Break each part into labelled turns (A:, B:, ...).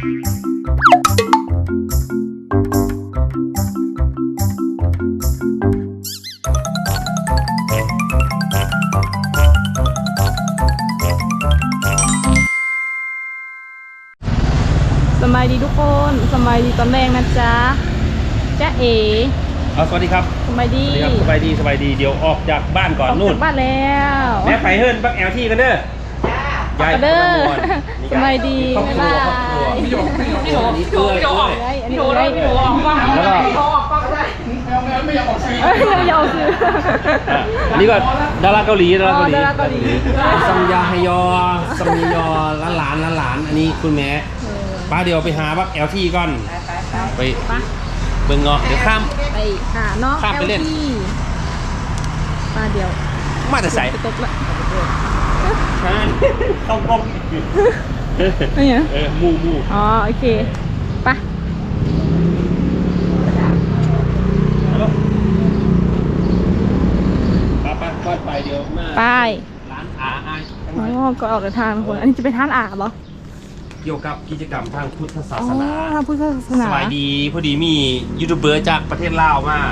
A: สบายดีทุกคนสบายดีตอนแรกนะจ๊ะจ๊ะเอ๋
B: สวัสดีครับ
A: สบายดี
B: สบายดีเดี๋ยวออกจากบ้านก่อนนู่น
A: ออกจากบ้านแล้ว
B: แม่ไปเฮิร์นบักแอลที่กันเด้อ
A: ใหญ่เด้อสบายดี
B: ครอบครัว
A: พี่โหอันนี้ไม่ยอมซื้อ
B: อันนี้ก็ดาราเกาหลี
C: ซัมยาฮยอซัมยอหลานอันนี้คุณแม่ป้าเดี๋ยวไปหาบักแอลที่ก่อนไปเบิ่งเงาะเดี๋ยวข้าม
A: ไปหาน้องข้ามไปเล่นป้าเดี๋ยว
B: มาแต่ใส่
A: ตกละ
B: ต้อง
A: นี่
B: มู
A: อ๋อโอเคไป
B: ไปเดี๋ยวมา
A: ไป
B: ร้านอา
A: อ๋อก็ออกเดินทางคนอันนี้จะไปทานอาเหรอ
B: เกี่ยวกับกิจกรรมทางพุทธศาสนา
A: ทางพุทธศาสนา
B: สบายดีพอดีมียูทูบเบอร์จากประเทศลาวมา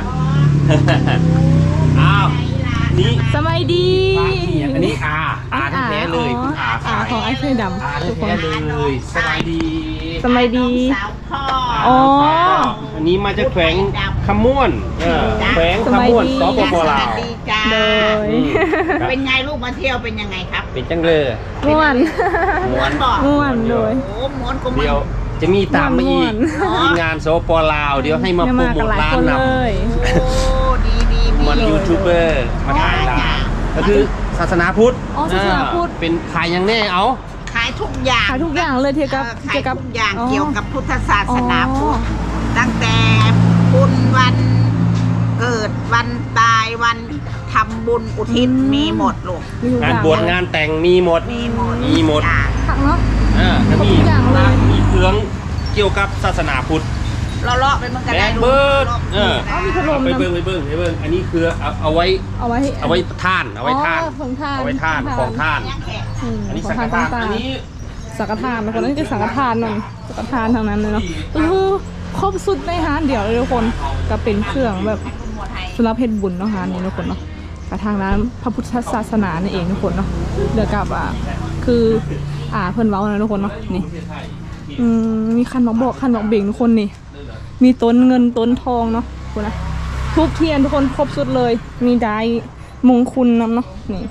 B: อ้าวนี่
A: สบายดี
B: อันนี้อาแท้เลยคุณอา
A: ของไอ้เคยดำ
B: อาแท้เลยสบายดี
A: สบายดี
B: อ๋ออันนี้มาจากแขวงขม่วนแขวงขม่วนสปปลาว
A: เลย
D: เป็นไงลูกมาเที่ยวเป็นยังไงครับ
B: เป็นจังเลย
A: ม่วน
D: บอก
A: ม่วนเลย
D: ม้วนก็
B: เดี๋ยวจะมีตามมาอีกทีมงานสปปลาวเดี๋ยวให้มาโปรโมทร้านนำ
D: โอ้ดี
B: มันยูทูบเบอร์มาถ่ายร้านก็คือศาสนาพุทธเป็นขายยังแน่เอา
D: ขายทุกอย่าง
A: เลยเกี่ยวกับ
D: ขายทุกอย่างเกี่ยวกับพุทธศาสนาพุทธตั้งแต่บุญวันเกิดวันตายวันทำบุญอุทิศมีหมดลูก
B: งานบวชงานแต่งมีหมด
A: ผักเนาะ
B: จะมีเครื่องเกี่ยวกับศาสนาพุทธ
D: เลาะไปมันกันได้ดู
A: มีขนม
B: ไปเบิ้งอันนี้คือเอาไว้ท่านเอาไว้ท่านของท่านอันนี้สังฆทานอันนี้
A: สังฆทานคนนั้นคือสังฆทานนั่นสังฆทานทางนั้นเลยเนาะครบสุดในฮานเดี๋ยวเลยทุกคนก็เป็นเครื่องแบบสำหรับเพชรบุญเนาะฮานนี้ทุกคนเนาะกระทางร้านพระพุทธศาสนานี่เองทุกคนเนาะเดี๋ยวกับคือเพิ่นเว้านะทุกคนเนาะนี่มีคันบอกเบ่งทุกคนนี่มีต้นเงินต้นทองเนาะคุณนะทุกเทียนทุกคนครบสุดเลยมีได้มงคลนำเนาะนี่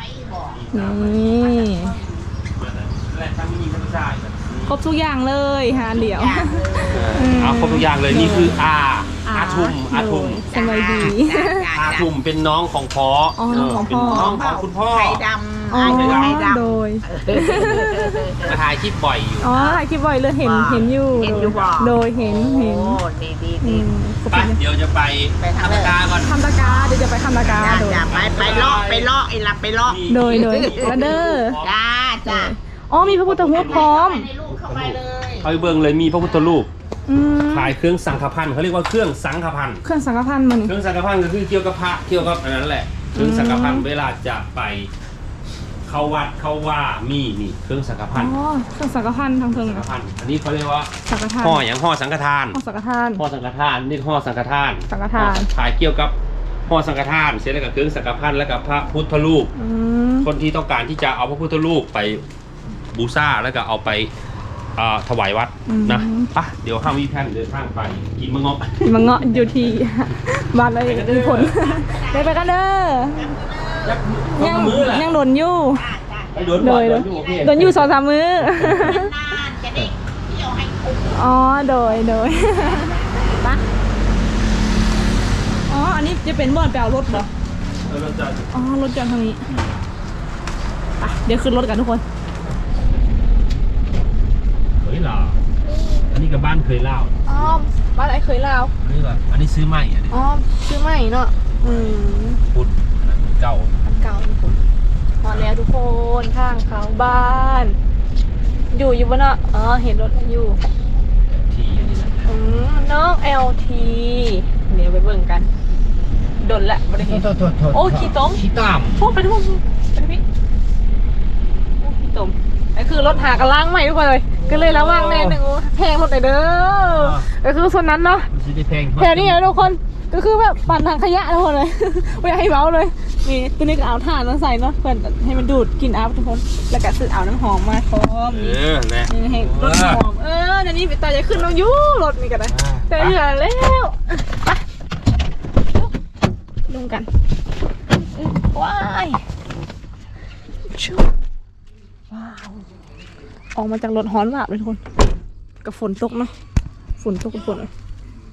A: ครบทุกอย่างเลยฮะเดี๋ยว
B: เอาครบทุกอย่างเลยนี่คืออาทุม
A: สบายดี
B: อาทุมเป็นน้องของพ่อเป็นน้องของคุณพ่อ
D: ไข่ดำ
A: โดย
B: มาถ่ายคลิปบ่อยอยู่
A: ถ่ายคลิปบ่อยเลยเห็นอยู่โดยเห็น
D: ดี
B: ไปเดี๋ยวจะไปทำตะกาก่อน
A: ทำตะกาเดี๋ยวจะไปทำตะกา
D: ไปเลาะไอ้หลับไปเลาะ
A: โดยกระเด้อ
D: จ้า
A: มีพระพุทธรูปพร้อม
B: เอาไปเบิ่งเลยมีพระพุทธรูปขายเครื่องสังฆพันธ์เขาเรียกว่าเครื่องสังฆพันธ์
A: เครื่องสังฆพันธ์มัน
B: เครื่องสังฆพันธ์ก็คือเกี่ยวกับพระเกี่ยวกับอันนั้นแหละเครื่องสังฆพันธ์เวลาจะไปเข้าวัดเข้าว่ามีนี่เครื่องสังฆพันธ์
A: เครื่องสังฆพันธ์ทางเทิง
B: สังฆพันธ์อันนี้เขาเรียกว่า
A: สังฆทาน
B: ห่ออย่างห่อสังฆทาน
A: ห่อสังฆทาน
B: นี่ห่อสังฆทานขายเกี่ยวกับห่อสังฆทานเสร็จแล้วกับเครื่องสังฆพันธ์แล้วกับพระพุทธรูปคนที่ต้องการที่จะเอาพระพุทธรูปไปบูชาแล้วก็เอาไปถวายวัดนะป่ะเดี๋ยวห้าวิแพนเดินทางไปกินมะเงาะ
A: อยู่ที่บ้านอะไรมีผลไปกันเด้อยังโดนอยู่โดนอยู่2-3 มื้อโดยป่ะอันนี้จะเป็นบ่อนแปลรถเหรอรถจอดทางนี้ไปเดี๋ยวขึ้นรถกันทุกคน
B: ลาวอันนี้กับบ้านเคยเล่า
A: บ้านไอ้เคยเล่า
B: อันนี้ซื้อใหม่
A: ซื้อใหม่เนาะ
B: พุทธเก่า
A: ทุกคนพอแล้วทุกคนข้างเขาบ้านอยู่บนเนาะเห็นรถอยู่
B: ทีนี่แหละ
A: น้อง LT เดี๋ยวไปเบิ่งกันดนละบริเวณขี้ต้มพวกไปทุกคนไปพี่ขี้ต้มไอ้คือรถหากระล้างใหม่ทุกคนเลยก็เลยระวังแน่หนึ่งแพงหมดเลยเด้อก็คือส่วนนั้นเนาะ
C: ซื้อได้แพง
A: แถวนี้ทุกคนก็คือแบบปั่นทางขยะทุกคนเลย ไม่อยากให้เมาเลยนี่ตัวนี้ก็เอาถ่านมาใส่เนาะเพื่อนให้มันดูดกลิ่นอัพทุกคนแล้วก็ซื้อเอาน้ำหอมมาพร้อม
C: นะ
A: นี่ให้รถหอมเดี๋ยวนี้ตาจะขึ้นเรายู่รถนี่กันนะแต่เหลือแล้วไปลงกันว้ายชูว้าวออกมาจากรถฮ้อนแบบเลยทุกคนกับฝนตกเนาะฝนตกกับฝนเลย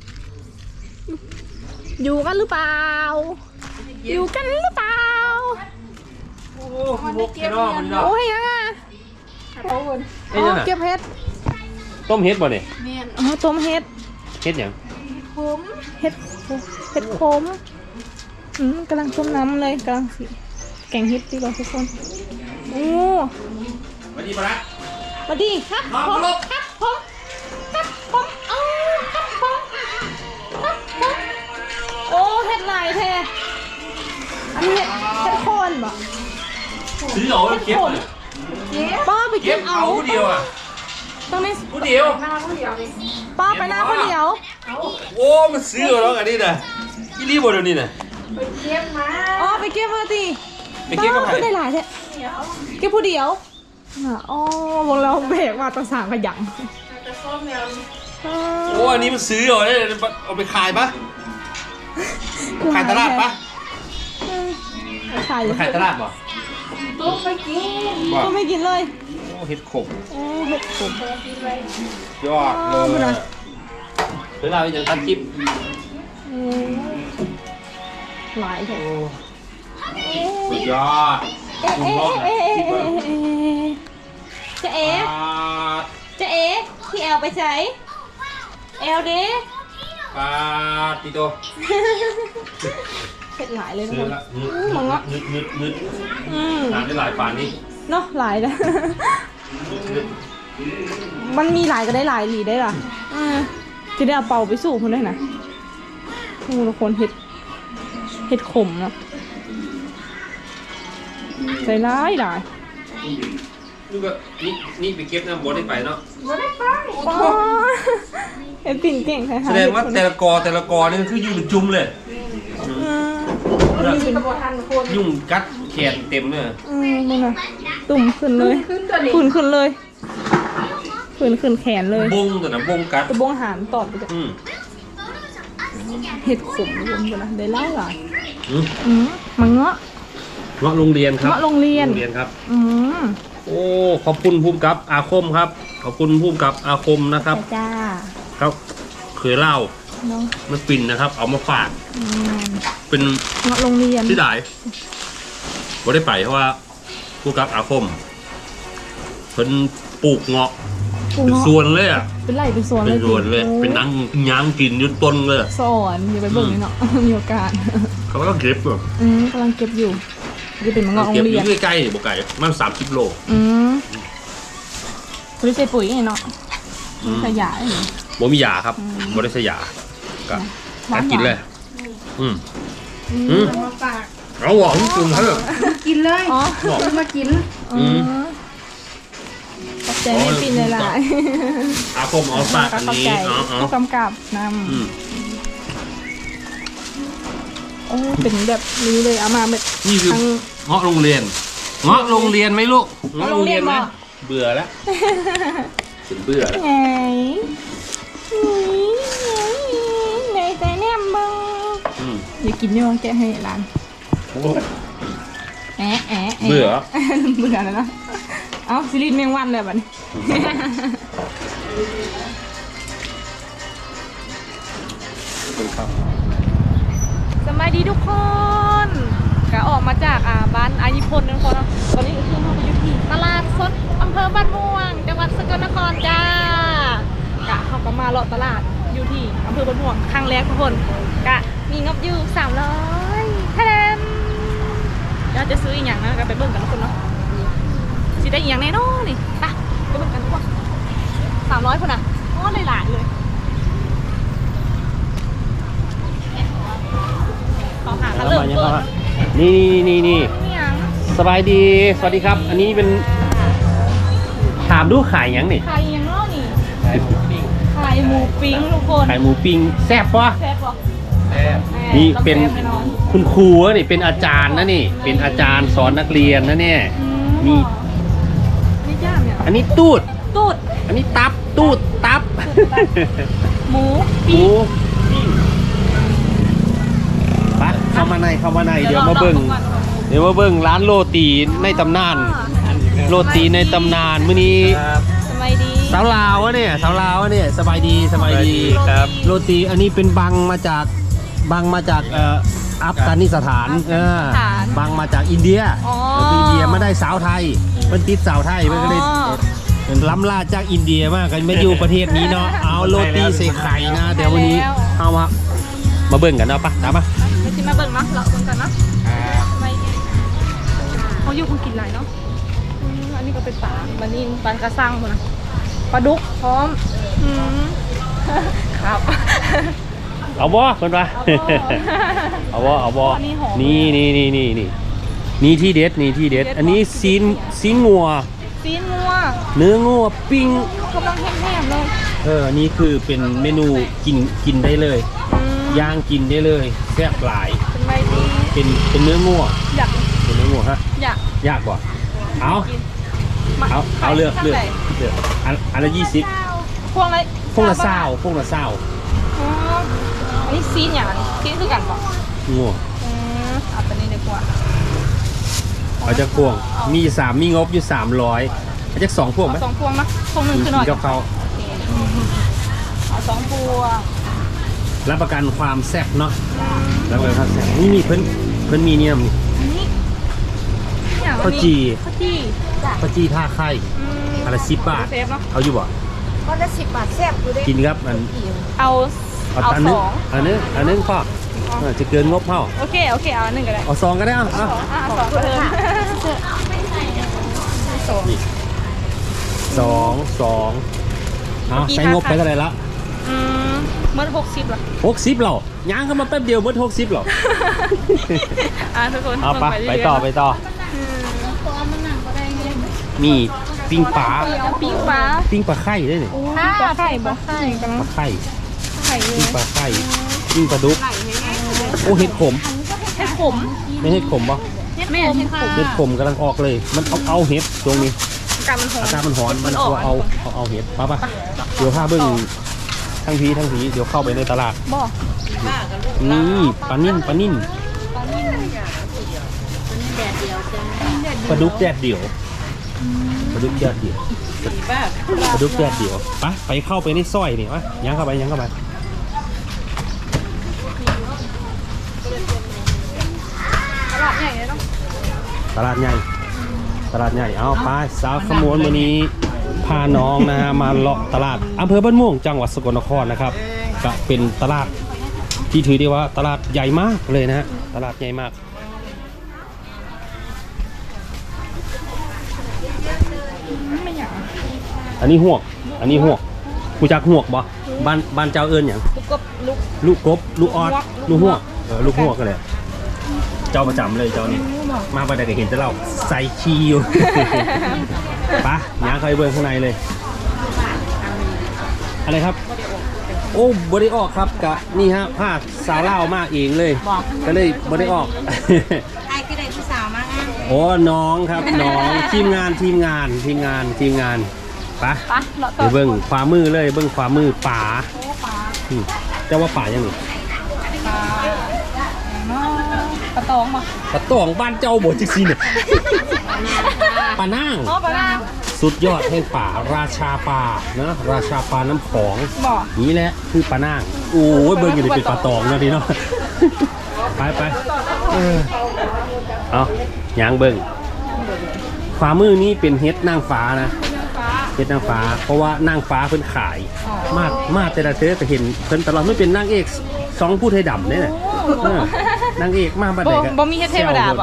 A: อยู่กันหรือเปล่าอยู่กันหรือเปล่า
C: โอ้บุกแค่นอกมันเนาะ
A: โอ้ยยังอ่ะโอ้ยเก็บเห็ด
C: ต้มเฮ็ดบ่เนี่ย
A: อ๋อต้มเห็ด
C: เฮ็ดหยัง
A: เห็ดขมกำลังต้มน้ำเลยกำลังสิแกงเห็ดดีกว่าทุกคนโอ้
C: สวัสดีปะละ
A: สวัสดีครับ
C: น้อง
A: ผม
C: ลูก
A: ครับผมครับผมโอ้เห็ดลายแท้อันนี้เห็ดโคนบ่
C: ซื้อเอาเก็บเลย
A: ป้าไป
C: เก็
A: เก็
C: บบ
A: เอา
C: เอาผู้เดียวอ่ะ
A: ตรงนี้
C: ผู้เดียว
A: ป้าไปหน้าคนเดียว
C: โอ้มันซื้อเอาแล้วอันนี้นะอีรีบ่เดี๋ยวนี้นะ
A: อ๋อไปเก็บมาสิ
C: ไปเก็บกับใคร
A: ได้หลายแท้เก็บผู้เดียวอ๋อวงเราเบรกมาตั้งสามขยัน
C: โอ้อันนี้มันซื้อเอาได้เอาไปขายปะขายตลาดปะ
A: ขาย
C: ขายตลาดบ่
A: ก็ไม่กินเลย
C: โอ้เฮ็ดขม
A: โอ้เห็ดขม
C: ยอดเลยเวลาไปจังตัดคลิป
A: หลายแท้
C: สุดยอด
A: จะเอ๋จะเอ๋พี่แอลไปใช้แอลดิ
C: ปาติโต
A: เผ็ดหลายเลยทุก
C: ซื้
A: ค
C: อน ละ
A: มังงะ
C: นึดทานได้หลายปานนี้
A: เนาะหลายนะมันมีหลายก็ได้หลายหลีได้ล่ะจะได้เอาเป่าไปสู่คนได้นะทุกคนเห็ดขมเนาะใส่ร้ายหลาย
C: นี่ก็นี่ไปเก็บน้ำบดได้ไปเนาะ
A: อ๋อเห็ดปิ่นเก่งใช่ไหม
C: แสดงว่าแต่ละกอนี่มันคืออยู่เป็นจุ่มเลยยุ่งกัดแขนเต็มเลย
A: มึงอะตุ่มขึ้นเลยขึ้นเลยขึ้นแขนเลย
C: บงตัวนะบงกัด
A: ตะบงหานตอดไปจ้ะเห็ดขมรวมกันนะได้หลายหลายมันเงาะ
C: เงาะโรงเรียนครับ
A: เงาะโรงเรียน
C: ครับ
A: โ
C: โอ้ขอบคุณภูมิกับอาคมครับขอบคุณภูมิกับอาคมนะครับ
A: จ้า
C: ครับเคยเล่า
A: เนาะ
C: มันปิ่นนะครับ เอามาฝากเป็น
A: เงาะโรงเรียน
C: ที่ไหนบ่ได้ไปเพราะว่าภูมิกับอาคมเพิ่นปลูกเงาะเป็นสวนเลยอ่ะ
A: เป็นไรเป็นสวน
C: เป็นสวนเลย
A: โอ้
C: เป็นนั่งย่างกินอยุดต้นเลย
A: สอนอย่าไปเบิ่งเลยเนาะ มีโอกาส
C: เขาก็เก็บแบบ
A: กำลังเก็บอยู่จะเป็นมังงะโร
C: เก็บ
A: ง
C: อ
A: เรีย
C: ยู่
A: น
C: ใกล้ๆบ่ไก่มัน30 โล
A: บริษัทปุ๋ยไงเนาะขยะ
C: บ่มียาครับบ่ได้ใช้ยาก็การกินเลย
A: มาฝาก
C: เอาหวานจุ่มเถอะ
E: กินเลย
A: อ๋อ
E: ซื้อมากิน
A: ขอบใจไม่ปินเลยล่ะ
C: อาคมเอาฝากอันนี้
A: ผู้กำกับนำโอ้เป็นแบบนี้เลยเอามาแบบ
C: นี่คือเงาะโรงเรียนเงาะโรงเรียนไหมลูกเงาะโรงเรียนไหม
A: เงาะ
C: เบื่อแล้วถึงเบื่อแล้ว
A: ไงในใจแนมบังอย่ากินนี่วะแกะให้ร้านแอะแอะแอะ
C: เบื่อ
A: เบื่อแล้วเนาะเอ้าซีรีส์แมงวันเลยบัดนี้
C: ครับ
A: สบายดีทุกคนก็ออกมาจากบ้านอายิพลนะทุกคนเนาะตอนนี้ก็คือเราไปอยู่ที่ตลาดสดอำเภอบ้านม่วงจังหวัดสกลนครจ้ากะเขาก็มาเลาะตลาดอยู่ที่อำเภอบ้านม่วงครั้งแรกทุกคนกะมีงบอยู่300แทนเดี๋ยวจะซื้ออีกอย่างนะก็ไปเบิ่งกันทุกคนเนาะสิได้อีกอย่างแน่นอนนี่ไปเบิ่งกันทุกคน300คนน่ะโอ้หลายๆเลยขอหาคันเริ่มเปิด
C: นี่
A: อย่าง
C: สบายดีสวัสดีครับ อันนี้เป็นถามดูขายยังนี่
A: ใครยังไข่หมูปิ้งทุกคน
C: ขายหมูปิ้งแซ่บปะ
A: แซ่บปะ
C: นี่เป็นคุณครูนี่เป็นอาจารย์นะนี่ เป็นอาจารย์สอนนักเรียนนะเนี่ยนี่
A: นี่ย่างเนี่ย
C: อันนี้ตูด
A: ตูด
C: อันนี้ตับตูดตับ
A: หมู
C: หมูไปเข้ามาในเดี๋ยวมาเบิ่งร้านโรตีในตำนาน โรตีในตำนานมื้อนี้
A: สบายดี
C: สาวลาววะเนี่ยสบายดีครับ โรตีอันนี้เป็นบังมาจากอัฟกานิสถานบังมาจากอินเดียอินเดียมาได้สาวไทยมันติดสาวไทยมันก็เลยล้ำล่าจากอินเดียมากกันไม่อยู่ประเทศนี้เนาะเอาโรตีใส่ไข่นะเดี๋ยววันนี้เอามาเบิ่งกันเนาะปะตามมา
A: ไม่ใช่มาเบิ่งเนาะเราเบิ่งกันเนาะไม่เขาอยู่คนกินหลายเนาะอันนี้ก็เป็นปลาบันนี้ปลากระซังหมดนะปลาดุกพร้อมครับ
C: เอาบ่เพิ่นว่าเอาบ่นี่ที่เด็ดอันนี้ซีนงัว
A: ซีนงัว
C: เนื้องัวปิ้ง
A: กำลังแห้งๆเลย
C: อันนี้คือเป็นเมนูกินได้เลยย่างกินได้เลยแซ่บหลาย
A: เป็นไงดี
C: เป็นเนื้องัว
A: อยาก
C: เป็นเนื้องัวฮะ
A: อยาก
C: ยากกว่าเอาเลือกอันละ20
A: พวงอะไร
C: พวงละ20
A: อ๋ออันนี้ซีนอย่างนี้ซีนคือกันปะ
C: งัว
A: เอาไปนี่ดีกว่า
C: เอาจากพวงมี3มีงบอยู่300เอาจาก2พวงไหม
A: 2 พวงนะพวงหนึ่งคือหน่อย
C: กับเขา
A: เอา2 พวง
C: รับประกันความแซ่บเนาะรับประกันความแซ่บนี่เพิ่นมีเนี่ยมี
A: อันนี้อย่าง
C: ข้าวจี
A: ข้าวจี
C: ข้าวจีท่าไข่อันละ10 บาท
A: เซฟเนาะ
C: เอาอยู่บ่
D: ก็ละ10 บาทแซ่บอยู่ด้
C: กินครับ
A: เอา
C: อันนึงพ่อจะเกินงบเท่า
A: โอเคเอา1ก็ได้
C: เอา2ก็ได้เอา
A: 2ก็เพิ่ม
C: นี่2เอาใช้งบไปเท่าไหร่ละ
A: เมื่อ60ละ
C: 60เหรอย่างเข้ามาแป๊บเดียวเมื่อ60เหรอ
A: ทุกคน
C: เอาไปต่อมีปิ้งปลา
A: ปิ้งปลา
C: ปิ้งปลาไข่ด้วยนี่
A: ปลาไข่ปลาไข่กำลัง
C: ปลาไข่
A: ไข่เล
C: ปิ้
A: ย
C: งปลาไข่ปิ้งปลาดุกโอ้เห็ดขม
A: เห็ดขม
C: ไม่เห็ดขมปะ
A: แม่เห็ดขม
C: เห็ดขมกำลังออกเลยมันเอาเห็ดตรงนี้
A: การมันหอม
C: อากาศมันร้อนมันเอาเห็ดปะเดี๋ยวพาเบิ้งทั้งผีเดี๋ยวเข้าไปในตลาด
A: บ่
C: นี่ปลานิ่นปลาดุกแดดเดี่ยวไปเข้าไปในซอยนี่วะยังเข้าไป
A: ตลาดใหญ่เลยเนาะ
C: ตลาดใหญ่เอาไปสาวขมวนวันนี้พาน้องนะฮะมาเลาะตลาดอำเภอบ้านม่วงจังหวัดสกลนครนะครับก็เป็นตลาดที่ถือได้ว่าตลาดใหญ่มากเลยนะฮะตลาดใหญ่มากอันนี้หวกกูจักหวกบ่บ้านเจ้าเอิญอย่างลูกกบลูกออดลูกหวกลูกหวกก็เลยเจ้าประจำเลยเจ้านี่มาประเดี๋ยวเห็นแต่เราใส่ชีอยู่ ปะย่างเข้าไปเบิ้งข้างในเลยอะไรครับโอ้บริออกครับกะนี่ฮะผ้าสาวเล่ามากเองเลยก็เลยบริออก
D: ไอ้ที่ได้ผู้สาวมาอ้าง
C: โอ้น้องครับน้องทีมงานปะเดี๋ยวเบิ้งขวามือเลยเบิ้งขวามือป่าเจ้าว่าป่ายังไง
A: ปลาตองมา
C: ปลาตองบ้านเจ้าบดจิกซีเนี่ยปลานั่ง
A: ปลา
C: สุดยอดแห่งป่าราชาปลานะราชาปลาน้ำของ
A: บ่
C: นี่แหละคือปลานั่งโอ้ยเบิ้งอยู่ในเป็นปลาตองนะดีเนาะไปเอายางเบิ้งขวามือนี้เป็นเฮ็ดนางฟ้านะเฮ็ดนางฟ้าเพราะว่านางฟ้าเพิ่นขายมาแต่ละเธอแต่เห็นเพิ่นตลอดไม่เป็นนางเอก2ผู้ไทยดำเนี่ยนะนางเอกมาบัดใดกัน
A: บ่มีเฮ็ดเทวดาบ่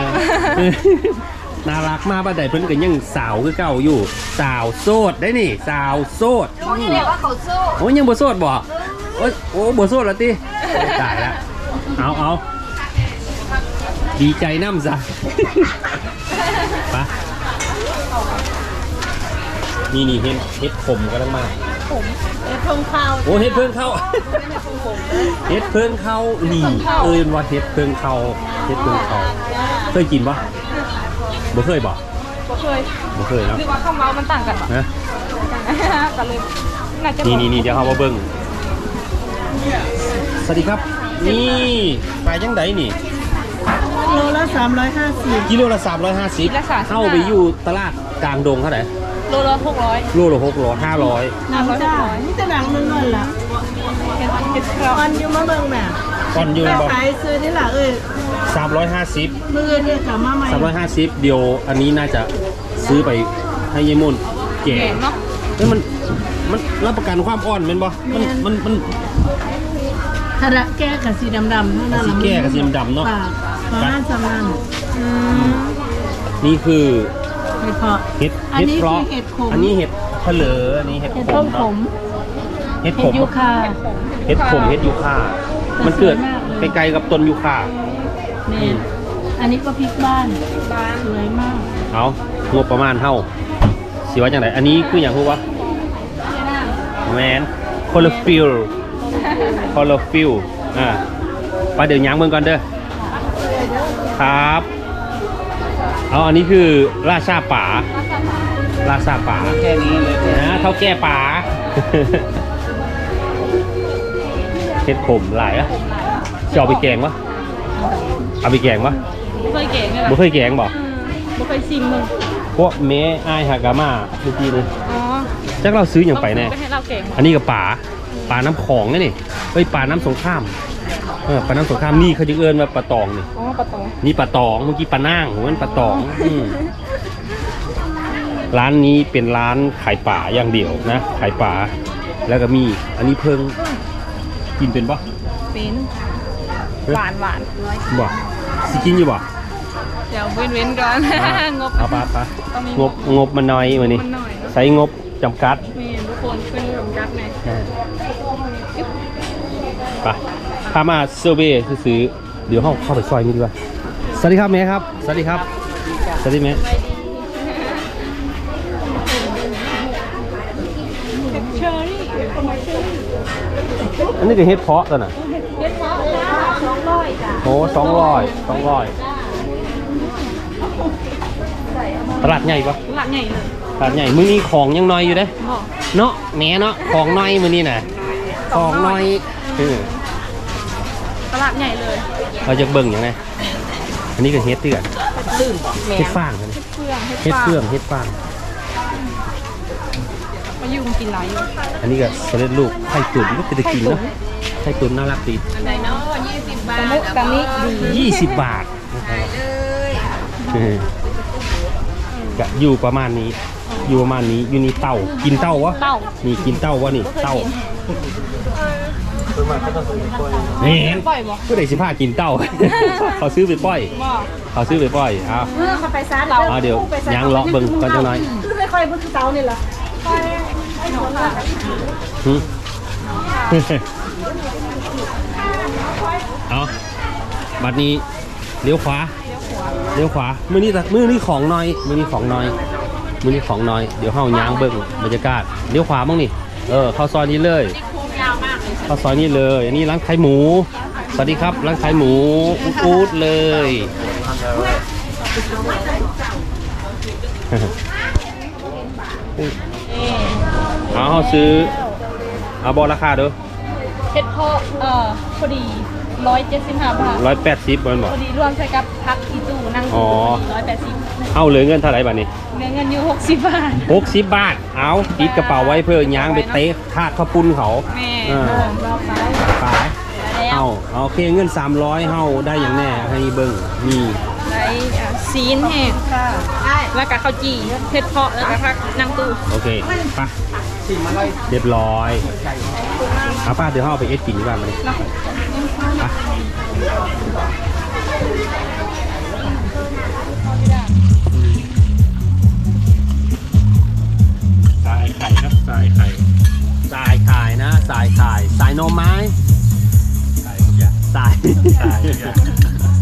C: น่ารักมาบัดใดเพิ่นก็ยังสาวคือเก่าอยู่สาวโสดได้นี่สาวโสด
D: รู้นี่แหละว่าเขาสู้
C: โอ้ยังบ่โสดบ่โอ้บ่โสดแล้วติตายแล้วเอาดีใจน้ำซะไปนี่เฮ็ดขมกำลังมา
A: ผม
D: เฮ็ดเพิ่งข้าว
C: โอ้เฮ็ดเพิ่งเข้าเฮ็ดเพิ่งเข้านี่เอ้ยว่าเฮ็ดเพิ่งเข้าเฮ็ดเพิ่งเข้าเคยกินปะบ่เคยบ่
A: ก็เคย
C: บ่เคยเนาะ
A: หรือว่าข้าวเมามันต่างกันปะ
C: นะ
A: กันเลยน่าจะ
C: นี่เดี๋ยวเรามาเบิ่งสวัสดีครับนี่ไปจังไดนี่
D: โลละ350
C: กิโลละ350เข้าไปอยู่ตลาดกลางดงเท่าไหร่
A: โลละ600
C: โลละ600 500
D: หนังจ้านี่แต่หนังนึงนั่นล่ะ
A: เห็ดครับ
D: ออนอยู่มาเบิ่งแม่
C: ก่อนอยู่
D: แต่
C: บ่
D: ขายซื้อนี่ล่ะเอ้ย
C: 350
D: มื้อนี้กลับมาใหม่
C: 350เดี๋ยวอันนี้น่าจะซื้อไปให้ยายมนแก่
A: แกงเนาะ
C: เอ้ยมันรับประกันความอ่อนเป็นบ่มัน
D: ถ้าละแก้กับสีดำๆเท่านั้น
C: สี
D: ล่ะ
C: แก้กับสีดำๆเนาะ
D: ปากประมาณสำนัน
C: นี่คือ
D: เห็ดเพาะ
C: เห็ด
D: อันนี้
C: เพราะ
D: คือเห็ดขม
C: อันนี้เห็ดเผลออันนี้เห็ด
D: เห็ด
C: ข
D: ต้
C: ม
D: มข
C: เนาะ
D: ม
C: เห็ดข
D: เห็ด
C: ม
D: ยูคา
C: เห็ดขมเห็ดยูคามันเกิดไกลๆกับต้นยูคา
D: เนี่ยอันนี้ก็พริกบ้านสวยมาก
C: เอางบประมาณเท่าสิว่าจังไดอันนี้คืออย่างรู้วะแมนคอลฟิลไปเดี๋ยวย้างเบิ่งก่อนเด้อครับเอาอันนี้คือราชาป่าแค่นี้เลยนะเท่าแก่ป่า เห็ดขมหลายอะจะเอาไปแกงวะเอาไปแกงวะ
A: เคยแกงเลย
C: บ่เคยแกงบ่
A: บ่เคยชิมมึง
C: พวกเมอายฮากามาเมื่อกี้นี่
A: อ๋อ
C: จักเราซื้ออย่างไปแน่
A: ให้เราแกง
C: อันนี้กับป่าน้ำของนี่เอ้ยป่าน้ำสงครามป่าน้ำสงครามนี่เขาจะเอิ้นว่าปลาตองนี่
A: อ๋อปลาตอง
C: นี่ปลาตองเมื่อกี้ปลาน่างมันปลาตองร้านนี้เป็นร้านขายป่าอย่างเดียวนะขายป่าแล้วก็มีอันนี้เพิ่งกินเป็นปะ
A: เป็นหวาน
C: บ่สิกินอยู่บ่
A: เดี๋ยวเว้นก่อนงบ
C: เอาปะงบมันน้อยมื้อนี้
A: มันหน่อยเนาะ
C: ใช้งบจำกัด
A: มีทุกคนเป็นรวมกัดไง
C: ไปพามาเซอร์เวย์ซื้อเดี๋ยวเข้าไปซอยนี้ดีกว่าสวัสดีครับแม่ครับสวัสดีครับสวัสดีแม่
A: เชอรี่
C: อันนี้คือเฮ็ดเพาะตัวน่ะ
A: เฮ็ดเพาะ200จ้ะ
C: โอ้200ตลาดใหญ่ปะ
A: หลักใหญ่เลย
C: ตลาดใหญ่มื้อนี้ของยังน้อยอยู่เด้
A: บ่
C: เนาะแหม่เนาะของน้อยมื้อนี้น่ะของน้อย
A: ตลาดใหญ่เลย
C: เราจะเบิ่งอย่างไรอันนี้ก็เฮ็ดเตือน
A: ลื่นบ่แม่
C: เฮ็ดฟางกัน
A: เฮ็ดเฟือง
C: เฮ็ดฟาง
A: มายุ่งกินหลายอยู่
C: อันนี้ก็สำเร็จรูปไข่ตุ๋นก็จะได้กินเนาะไข่ตุ๋นน่ารักดี
D: อันไหนเนาะ20 บาท
A: ตามนี้ดี
C: 20 บาทก็อยู่ประมาณนี้อยู่นี่เต่ากินเต่าวะ
A: เต้า
C: นี่กินเต่าวะนี่เต่าเห็น
A: ปล่อยบ่
C: ก็ได้15กินเต่า เขาซื้อไปปล่อย
A: บ่
C: เขาซื้อไปปล่อยเอา
D: เขาไปซ่า
C: เอาเดี๋ยวย่างเลาะเบิ่งก่อนจังหน่อย
D: ไม่ค่อยพูดเตานี่ล่ะ
C: หึ เอาบัดนี้เลี้ยวขวามื้อนี้ของน้อยเดี๋ยวเฮาย่างเบิ่งบรรยากาศเลี้ยวขวาบ้างนี่เข้าซอยนี้เลยเข้าซอยนี้เลยอันนี้ร้านขายหมูสวัสดีครับร้านขายหมูอูดเลยเอาซื้อเอาบอราคาเด้อ
A: เฮ็ดเพาะพอดี175 บาท
C: 180มันบ
A: พ
C: อก
A: อดีรวมใส่กับพักอีตู้นั่ง
C: อ๋อ
A: 180
C: เอาเหลือเงินเท่าไหร่บัดนี้
A: เหลือเงินอยู่60 บาท
C: 60 บาทเอาติดกระเป๋าไว้เพื่อย่างไปเตะทาดข้าวปุ้นเขา
A: แม่
C: รอบขายเอาโอเคเงิน300เฮาได้อย่างแน่ให้เบิ่งมี
A: ได้ซีนแห้งค่ะแล้วก็ข้าวจี่เฮ็ดเพาะแล้วก็พักนั่งตู้
C: โอเคไปเรียบร้อยเอาป้าเดี๋ยวเฮาไปเอ็ดกินดีกว่ามาเลยไปสายไข่ครับสายไข่สายไข่นะสายไข่สายนมไม้สาย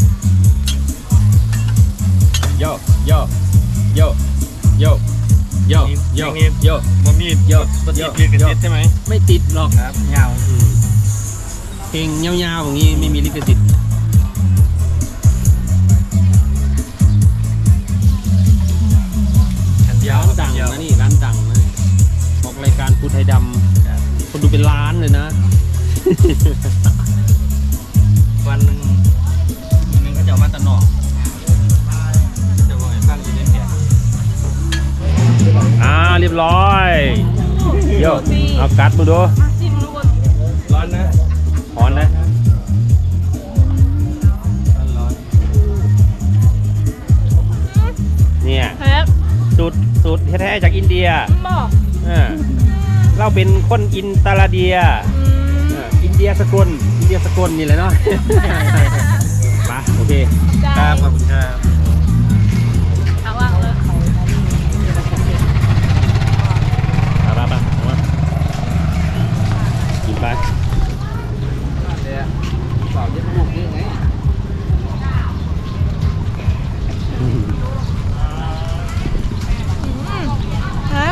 C: โยโยโยโยโยโยโยโย
E: บะหมี่
C: โย
E: บะห
C: โย
E: มี่กระ
C: โย
E: ติดใช่ไหม
C: ไม่ติดหรอก
E: ครับยาว
C: เพลงยาวๆอย่างนี้ไม่มีลิขสิทธิ์ร้านดังนะนี่ร้านดังนะนี่ออกรายการพูดไทยดำคนดูเป็นล้านเลยนะ
E: วันหนึ่งก็จะเอามาตะนอกจะวางตั้งอยู่ในแผง
C: เรียบร้อยโยเอากัดมาดู
A: มาชิมทุกคน
E: ร้อนนะ
C: หอนนะ
E: ร้อน
C: เนี่ย
A: แซ่บ
C: สูตรแท้ๆจากอินเดีย
A: บอก
C: เราเป็นคนอินตาลาเดียอินเดียสกลนี่แหละเนาะ ไปโอเค
E: ครับขอบคุณครับ
A: เอาว่างเลย
C: ไปกินไป
E: บอกจะพูดยังไง
A: แล้ว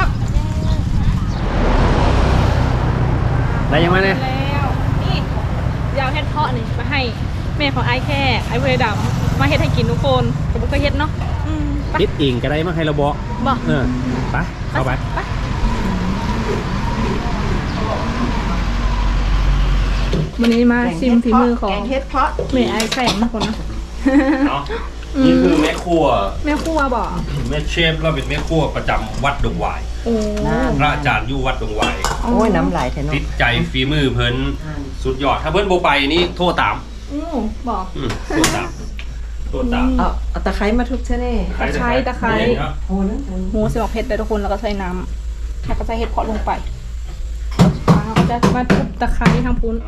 C: ได้ยังไงเนี่ย
A: แล้วนี่ยาวเฮ็ดเพาะนี่มาให้แม่ของไอ้แค่ไอ้เวดำมาเฮ็ดให้กินทุกคนกับบุกก็เฮ็ดเนาะไป
C: คิดเองก็ได้มาให้เราบอก
A: บอก
C: ไปเข้าไป
A: วันนี้มาชิมฝีมือของ
D: แกงเฮ็ดเพาะ
A: แม่ไอ้แข่งนะคนนะ
B: เนาะนี่คือแม่ครัว
A: แม่ครัวบอก
B: แม่เชฟเราเป็นแม่ครัวประจำวัดดงหวาย
A: โอ้
B: พระอาจารย์อยู่วัดดงหวาย
D: โอ้ยน้ำลายแทน
B: ติดใจฝีมือเพิ่นสุดยอดถ้าเพิ่นโบไปนี่โทษตาม
A: บอก
B: โทษตามโทษตาม
F: เอาตะไคร้มาทุบใช่ไหม
A: ตะไคร้
B: นี่ครับ
F: โอ้นั่น
A: หมูสมอกเผ็ดเลยทุกคนแล้วก็ใส่น้ำแล้วก็ใส่เห็ดเพาะลงไปแล้วก็จะมาทุบตะไคร้ทางปุ้น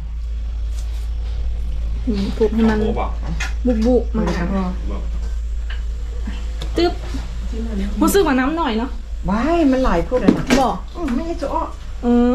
A: ทุบให้มัน
B: โอ้บอก
A: บุบมาตึ๊บรู้สึกว่าน้ำหน่อยเนาะ
F: ว้ายมันหลายพูดอะนะ
A: บอก
F: ไม่ให้จะอ้อ
A: เออ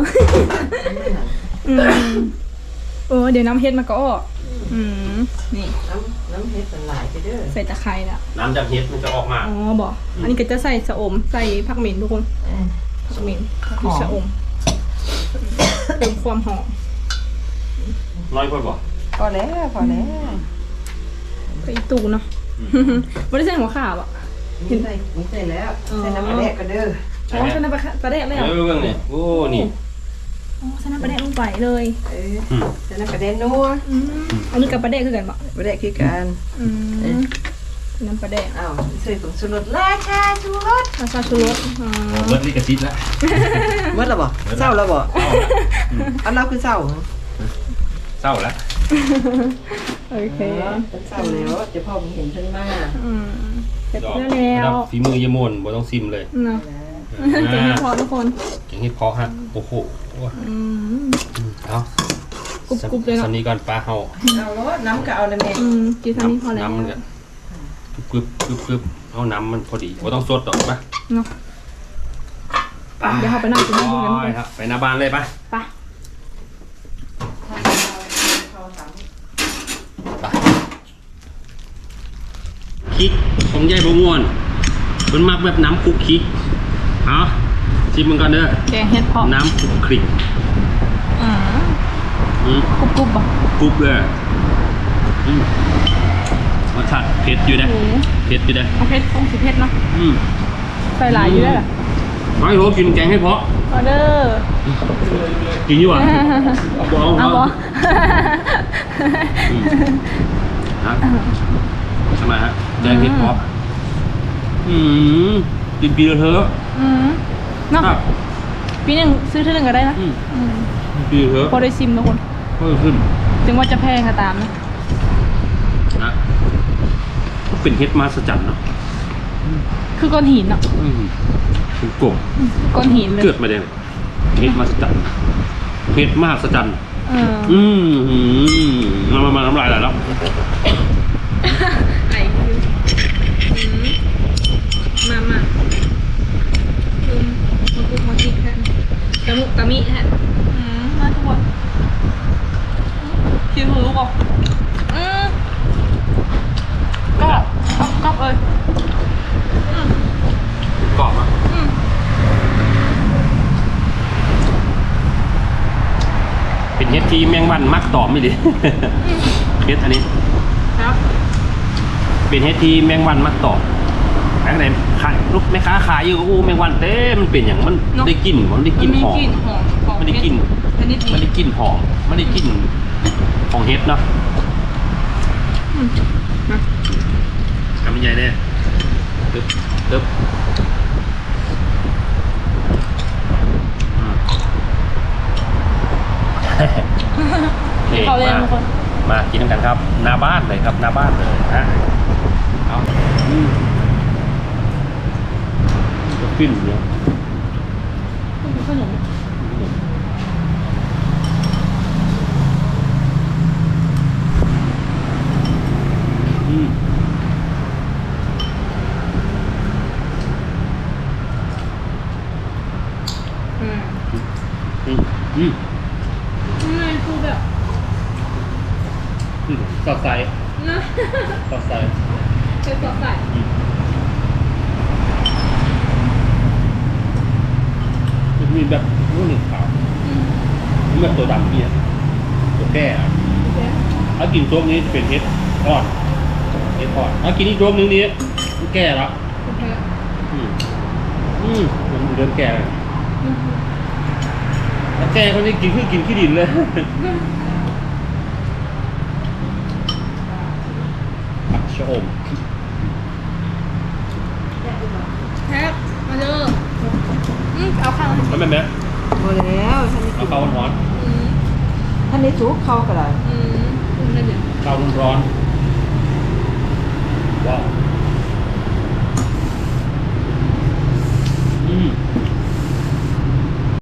A: เดี๋ยวน้ำเห็ดมันก็ออกนี่
F: น้ำเห็ดมันหลายไปเด้อ
A: ใส่ตะไคร้ละ
B: น้ำจากเฮ็ดมันจะออกมา
A: อ๋อบอกอันนี้ก็จะใส่ชะอมใส่ผักเหม็นทุกคนผักเหม็นผักชีชะอมเติมความหอม
B: น้อยคนบอก
F: พอแล้วพอแล้ว
A: ไปอีตูเนาะไม่ได้ใส่หัวข่าวอ่ะ
F: มีใส่แล้วใส่น้ำปลาแดกกันเด้อ
A: อ๋อใส่น้ำปลาแดกเลยเหรอ
B: เรื่องเนี่ยโอ้นี่
A: อ๋อใส่น้ำปลาแดกลงไปเลย
F: ใส่น้ำปลาแดกนัว
A: อันนี้กับปลาแดกคือกันปะ
F: ปลาแดกคือกัน
A: น้ำปลาแดก
F: อ้าวใส่ผงชูรสราชาชูรส
A: ราชาชูรส
B: เบิร์ดลิกซิตแล้ว
F: เมื่อไรบ่เศร้าแล้วบ่อันเราคือเศร้า
B: เศร้าแล้ว
A: โอเค
F: เศร้าแล้วจะพ่อผมเห็นฉันมา
A: เสร็จแล้ว
B: ฝีมือยมนบ่ต้องซิมเลย
A: เนาะเก่งพอทุกคน
B: เก่งให้เพาะฮะโอ้โหเอา
A: กรุบๆเลยเนาะ
B: สันนี้ก่อนปลาเฮา
F: เอารสน้ำก็เอาเลยแม่
A: กินซันนี้พอแล้ว
B: น้ำมันก็กึบเอาน้ำมันพอดีบ่ต้องสดดอกปะ
A: เนาะเดี๋ยวเราไปนั่งกินน้ำกัน
B: ไปครับไปหน้าบ้านเลยปะ
A: ไป
C: คิกของยายบม่วนเพิ่นมักแบบน้ำคลุกคิกเอาชิมมันก่อนเด้อ
A: แกงเห็ดเพาะ
C: น้ำคลุกคลิก
A: กรุบๆป่ะ
C: กรุบเลยรสชาติเผ็ดอยู่นะเผ็ดอยู่นะ
A: เอาเผ็ดคงสิเผ็ดเนาะ
C: อืม
A: ใส่หลายอยู่ได้หรอ
C: น้อยโหกินแกงให้เพาะ
A: ออเดอร์
C: กินอยู่อ่ะเอา
A: บอ
C: นะทำไมฮะแกงเห็ดเพาะกินปีละเถอะ
A: เนาะ
C: ครับ
A: ปีหนึ่งซื้อเท่านึงก็ได้นะ
C: ปีละเถอะ
A: พอได้ซิมทุกคน
C: เพิ่มขึ้น
A: ถึงว่าจะแพงก็ตามนะ
C: นะก็เป็นเห็ดมาสจันเนาะ
A: คือก้อนหินเนาะ
C: เป็นกบ
A: ก้อนหินเลย
C: เกิดมาได้เห็ดมาสจันเห็ดมหัศจรรย์มาน้ำลายไหลแล้ว
A: ไอ้มามากุกมากินแค่ตะมุตะมิแค่มาทุกคนคิวหูบอกก็เลย
B: กรอบอ่ะ
A: ก
C: เป็นเฮ็ดที่แมงวันมักตอมไม่ดี เฮ็ดอันนี้
A: ครับ
C: เป็นเฮ็ดที่แมงวันมักตอมอันไหนขายลูกแม่ค้าขายอยู่ก็อู้แมงวันเต้มันเป็นอย่างมันได้กลิ่นมันได้กลิ่นหอม มันได้กลิ่น
A: ชนิด
C: มันได้กลิ่นหอมมันได้กลิ่นของเฮ็ดเนาะทำยังไงเนี่ยตึ๊บตึ๊บนี่
A: เขาเรียนทุกคน
C: มากินกันครับหน้าบ้านเลยครับหน้าบ้านเลยฮะเอาก็ขึ้นเนี่ย
A: ขนม
C: อืม
A: อืม
C: อืมอืม
A: มันคือแบบ
C: สอดใส่
A: นะ
C: สอดใส่
A: เป็นสดใส
C: มันมีแบบนู้นหนึ่งขาวมันแบบตัวดำเนี่ยตัวแก่อะถ้ากินโจ๊กนี้จะเป็นเฮ็ดอ่อนเฮ็ดอ่อนถ้ากินอีกโจ๊กนึงนี้มันแก่แล้วอืมมันเริ่มแก่แล้วถ้าแก่คนนี้กินคือกินขี้ดินเลยผักชะอม
A: แทบมาเด้อเอาข้าว
C: มันเป็นไหม
F: หมดแล้วท่านนี้
C: เอาข้าวร้อน
F: ท่านนี้ทุกเข้ากันเลย
A: นั่นเดี๋ยว
C: ๆข้าวร้อนๆว้าว